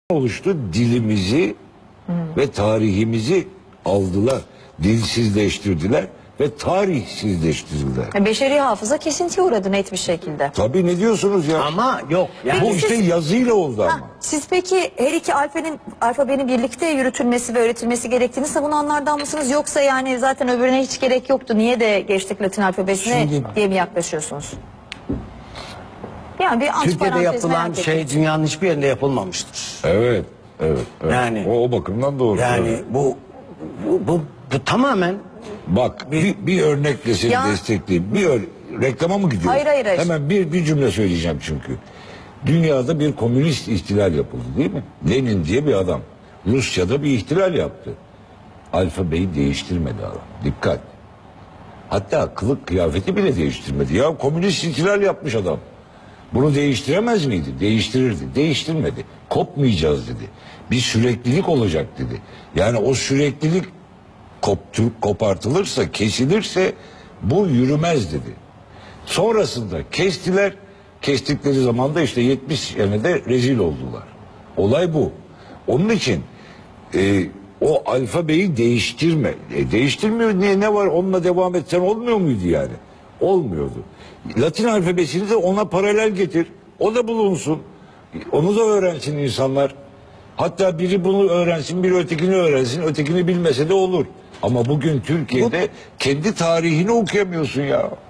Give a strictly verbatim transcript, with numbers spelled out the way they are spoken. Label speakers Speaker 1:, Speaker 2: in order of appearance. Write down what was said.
Speaker 1: oluştu. Dilimizi hmm. ve tarihimizi aldılar. Dilsizleştirdiler ve tarihsizleştirdiler.
Speaker 2: Beşeri hafıza kesintiye uğradı net bir şekilde.
Speaker 1: Tabii, ne diyorsunuz ya?
Speaker 3: Ama yok. Yani
Speaker 1: bu
Speaker 2: Peki
Speaker 1: işte
Speaker 2: siz,
Speaker 1: yazıyla oldu
Speaker 2: ha,
Speaker 1: ama.
Speaker 2: Siz peki her iki alfabenin, alfabenin birlikte yürütülmesi ve öğretilmesi gerektiğini savunanlardan mısınız? Yoksa yani zaten öbürüne hiç gerek yoktu, niye de geçtik Latin alfabesine
Speaker 3: Şimdi,
Speaker 2: diye mi yaklaşıyorsunuz? Yani bir
Speaker 3: Türkiye'de yapılan şey dünyanın hiçbir yerinde yapılmamıştır.
Speaker 1: Evet, evet. evet.
Speaker 3: Yani,
Speaker 1: o, o bakımdan doğru.
Speaker 3: Yani
Speaker 1: evet.
Speaker 3: bu, bu, bu, bu tamamen...
Speaker 1: Bak bir, bir örnekle seni
Speaker 2: Ya.
Speaker 1: destekleyeyim. Bir ör reklama mı gidiyor?
Speaker 2: Hayır, hayır, hayır.
Speaker 1: Hemen bir, bir cümle söyleyeceğim çünkü. Dünyada bir komünist ihtilal yapıldı, değil mi? Lenin diye bir adam Rusya'da bir ihtilal yaptı. Alfabeyi değiştirmedi adam. Dikkat. Hatta kılık kıyafeti bile değiştirmedi. Ya komünist ihtilal yapmış adam. Bunu değiştiremez miydi? Değiştirirdi. Değiştirmedi. Kopmayacağız dedi. Bir süreklilik olacak dedi. Yani o süreklilik koptur, kopartılırsa, kesilirse bu yürümez dedi. Sonrasında kestiler. Kestikleri zaman da işte yetmiş senede rezil oldular. Olay bu. Onun için e, o alfabeyi değiştirme. E, değiştirmiyor. Ne, ne var? Onunla devam etsen olmuyor muydu yani? Olmuyordu. Latin alfabesini de ona paralel getir. O da bulunsun. Onu da öğrensin insanlar. Hatta biri bunu öğrensin, biri ötekini öğrensin. Ötekini bilmese de olur. Ama bugün Türkiye'de Bu... kendi tarihini okuyamıyorsun ya.